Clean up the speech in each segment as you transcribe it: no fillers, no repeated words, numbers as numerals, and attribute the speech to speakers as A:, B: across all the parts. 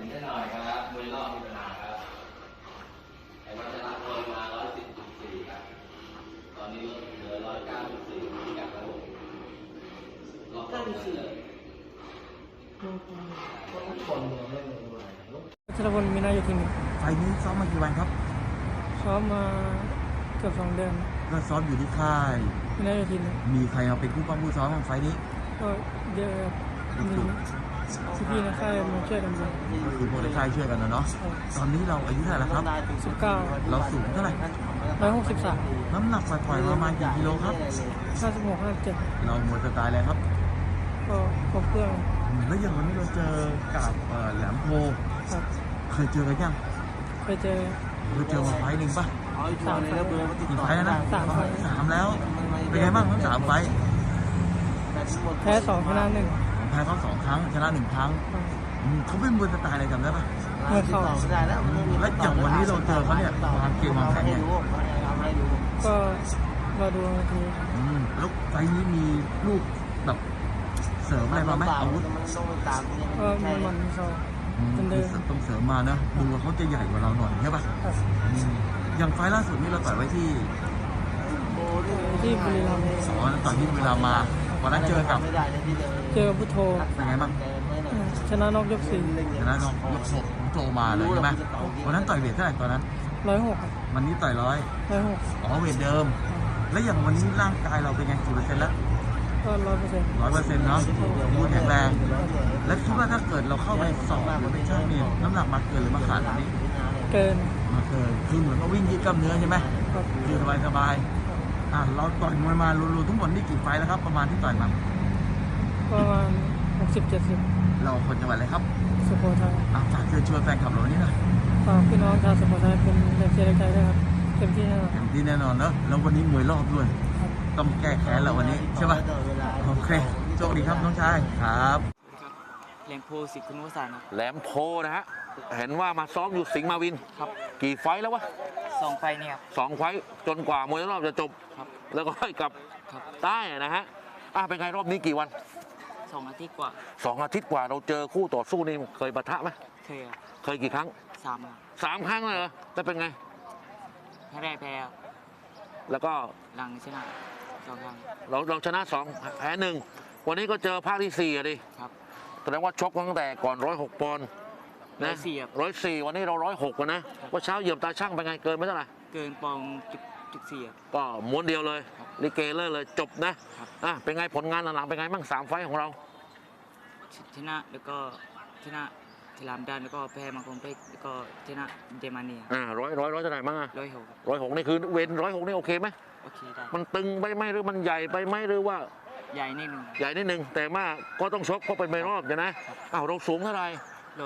A: ได้หน่อยครับมวยรอบมีปัญหาครับไอ้วัชระมวยมา110.4ครับตอนนี้ลดเหลือ109.4ที่กับระบบรอบ9.4
B: ชลพลมีนาอยู่ทีม
C: ไฟล์นี้ซ้อมมากี่วันครับ
B: ซ้อมมาเกือบ2 เดือน
C: ก็ซ้อมอยู่ที่ค่าย
B: มีนาอยู่ทีม
C: มีใครเอาเป็นผู้ป้องผู้ซ้อมบ้างไฟล์นี้
B: ก็เยอะครับมีพี่ๆในค่ายมาช่วยกันดู
C: ก็คือพวกในค่ายช่วยกันนะเนาะ ตอนนี้เราอายุเท่าไหร่แล้วครับ
B: 19
C: เราสูงเท่าไหร่
B: 163
C: น้ำหนักปล่อยๆประมาณกี่กิโลครับ
B: 56 57
C: เราหมดสไตล์อะไรครับ
B: ก็ครบเครื่อง
C: แล้วอย่างวันนี้เราเจอกับแหลมโพ
B: ครับ
C: เคยเจอกันยัง
B: ไปเจอ
C: เราเจอมาไฟล์หนึ่งป่ะ
B: 3 ไฟล์
C: กี่ไฟล์แล้วนะ
B: 3 ไฟล์
C: 3แล้ว เป็นไงบ้างทั้ง3ไฟล์
B: แพ้2ชนะ1
C: แพ้เขา2 ครั้งชนะ1 ครั้งเขาเป็นมวยสไตล์อะไรจำได้ป่ะ
B: เมื่อเข้า
C: แล้วอย่างวันนี้เราเจอเขาเนี่ยวางเกมวางแผนเนี่ย
B: ก็รอดูนาที
C: แล้วไฟล์นี้มีลูกแบบเสริมอะไรมาไหมอาวุธ
B: ก็มันเข้าเป็นเดิม
C: ต้องเสริมมานะดูว่าเขาจะใหญ่กว่าเราหน่อยใช่ป่ะ
B: ครับ
C: อย่างไฟล์ล่าสุดนี่เราต่อยไว้ที่
B: ที่บุรีรัมย์
C: ต่อยที่เวลามาวันนั้นเจอกับ
B: พุทโธ
C: เป็นไงบ้าง
B: ชนะนอกยก
C: ชนะน้องยกโจมาเลยใช่ไหมวันนั้นต่อยเวทเท่าไหร่ตอนนั้น
B: 4 106ครับ
C: วันนี้ต่อย106 เวทเดิม แล้วอย่างวันนี้ร่างกายเราเป็นไงกี่เปอร์เซ็นต์แล้ว
B: ก็100%
C: 100%เนาะดูแข็งแรง แล้วคิดว่าถ้าเกิดเราเข้าไปสอบหรือไปช่างเนี่ยน้ำหนักมาเกินหรือมาขาดอันนี้
B: เกิน
C: มาเกินคือเหมือนกับวิ่งยืดกล้ามเนื้อใช่ไหม
B: ครับ
C: คือสบายเราต่อยมวยมารวมๆทั้งหมดนี่กี่ไฟล์แล้วครับประมาณที่ต่อยมา
B: ประมาณ60-70
C: เราคนจังหวัดอะไรครับ
B: สุโขทัย
C: ฝากเชิญชวนแฟนคลับเรานี้หน่อย
B: ฝากพี่น้องชาวสุโขทัยเป็นแรงเชียร์แรงใจด้วยครับเต็มที่แน่นอน
C: เต็มที่แน่นอนเนอะแล้ววันนี้มวยรอบด้วย
B: ครับ
C: ต้องแก้แค้นเราวันนี้ใช่ป่ะโอเคโชคดีครับน้องชายครับ
B: แรงโพสิคุณวสันต์
A: แหลมโพนะฮะเห็นว่ามาซ้อมอยู่สิงห์มาวิน
B: ครับ
A: กี่ไฟท์แล้ววะ
B: 2 ไฟนี่ครับ
A: 2 ไฟท์จนกว่ามวยรอบจะจบ
B: ครับ
A: แล้วก็ให้กลับ
B: ครับ
A: ใต้นะฮะเป็นไงรอบนี้กี่วัน
B: 2 อาทิตย์กว่า
A: 2 อาทิตย์กว่าเราเจอคู่ต่อสู้นี่เคยปะทะไหม
B: เคยครับ
A: เคยกี่ครั้ง
B: 3ครับ
A: 3 ครั้งเลยเหรอแต่เป็นไง
B: แรกแพ้
A: แล้วก็
B: หลังชนะ2 ครั้ง
A: เราชนะ2แพ้1วันนี้ก็เจอภาคที่4อ่ะดิ
B: ครับ
A: แสดงว่าชกตั้งแต่ก่อน106 ปอนด์นะ
B: 104ครับ
A: 104วันนี้เรา106กันนะว่าเช้าเหยียบตาช่างเป็นไงเกินไม่เท่าไหร่
B: เกินปองจุด4ครับ
A: ก็ม้วนเดียวเลยลิเกเลยจบนะครับ เป็นไงผลงานหลังๆเป็นไงบ้าง3 ไฟท์ของเรา
B: ชนะแล้วก็ชนะฉลามดันแล้วก็แพ้มังกรเพชรแล้วก็ชนะเดมาเนีย
A: ร้อยเท่าไหร่บ้างอ่ะ
B: 106
A: 106นี่คือเวน106นี่โอเคไหม
B: โอเคได้
A: มันตึงไปไหมหรือมันใหญ่ไปไหมหรือว่า
B: ใหญ่นิดนึง
A: ใหญ่นิดนึงแต่ว่าก็ต้องชกเพราะเป็นไม่รอบใช่ไหมเราสูงเท่าไหร่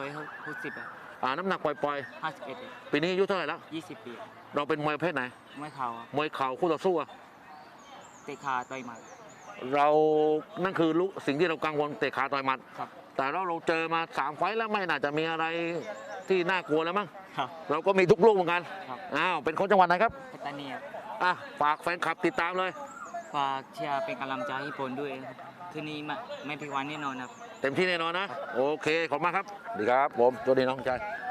B: 160ครับ
A: น้ำหนักปล่อย
B: 51
A: ๆปีนี้อายุเท่าไหร่แล้ว
B: 20 ปี
A: เราเป็นมวยประเภทไหน
B: ไม่เข่าครับ
A: มวยเข่าคู่ต่อสู้อะ
B: เตะขาต่อยหมัด
A: เรานั่นคือสิ่งที่เรากังวลเตะขาต่อยหมัด
B: ครับ
A: แต่เราเจอมา3 ไฟท์แล้วไม่น่าจะมีอะไรที่น่ากลัวแล้วมั้ง
B: ครับ
A: เราก็มีทุกลูกเหมือนกัน
B: ครับ
A: เป็นคนจังหวัดไหนครับ
B: ปัตตานีครับ
A: ฝากแฟนคลับติดตามเลย
B: ฝากเชียร์เป็นกำลังใจให้ผลด้วยครับคืนนี้ไม่ผิดหวังแน่นอนครับ
A: เต็มที่แน่นอนนะ โอเค ขอบคุณมากครับสวัสดีครับผมสวัสดีน้องชาย